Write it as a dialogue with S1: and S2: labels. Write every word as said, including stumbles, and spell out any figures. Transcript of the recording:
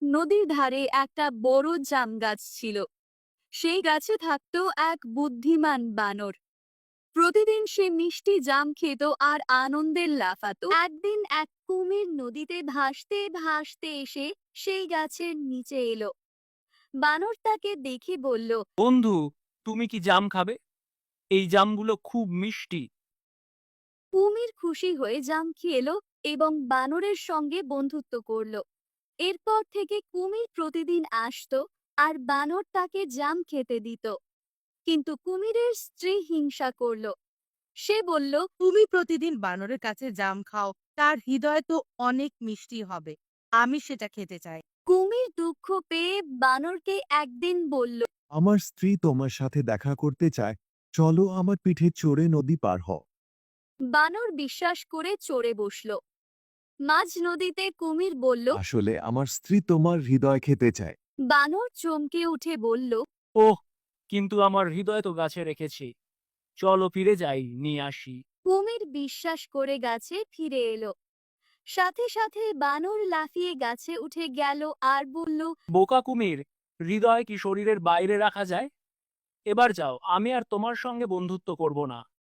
S1: নদীর ধারে একটা বড় জাম গাছ ছিল। সেই গাছে থাকতো এক বুদ্ধিমান বানর। প্রতিদিন সে মিষ্টি জাম খেত আর আনন্দে লাফাতো। একদিন এক কুমির নদীতে ভাসতে ভাসতে এসে সেই গাছের নিচে এলো। বানর তাকে দেখে বলল,
S2: বন্ধু, তুমি কি জাম খাবে? এই জামগুলো খুব মিষ্টি।
S1: কুমির খুশি হয়ে জাম খেলো এবং বানরের সঙ্গে বন্ধুত্ব করলো। এরপর থেকে কুমির প্রতিদিন আসতো আর বানর তাকে জাম খেতে দিত। কিন্তু কুমিরের স্ত্রী হিংসা করলো। সে বলল,
S3: তুমি প্রতিদিন বানরের কাছে জাম খাও, তার হৃদয় তো অনেক মিষ্টি হবে, আমি সেটা খেতে চাই।
S1: কুমির দুঃখ পেয়ে বানরকে একদিন বলল,
S4: আমার স্ত্রী তোমার সাথে দেখা করতে চায়, চলো আমার পিঠে চড়ে নদী পার হও।
S1: বানর বিশ্বাস করে চড়ে বসল। মাঝ নদীতে কুমির বলল,
S4: আসলে আমার স্ত্রী তোমার হৃদয় খেতে চায়।
S1: বানর চমকে উঠে বলল,
S2: ওহ, কিন্তু আমার হৃদয় তো গাছে রেখেছি। চলো ফিরে যাই, নিয়ে আসি।
S1: কুমির বিশ্বাস করে গাছে ফিরে এলো। সাথে সাথে বানর লাফিয়ে গাছে উঠে গেল আর বলল,
S2: বোকা কুমির, হৃদয় কি শরীরের বাইরে রাখা যায়? এবার যাও, আমি আর তোমার সঙ্গে বন্ধুত্ব করব না।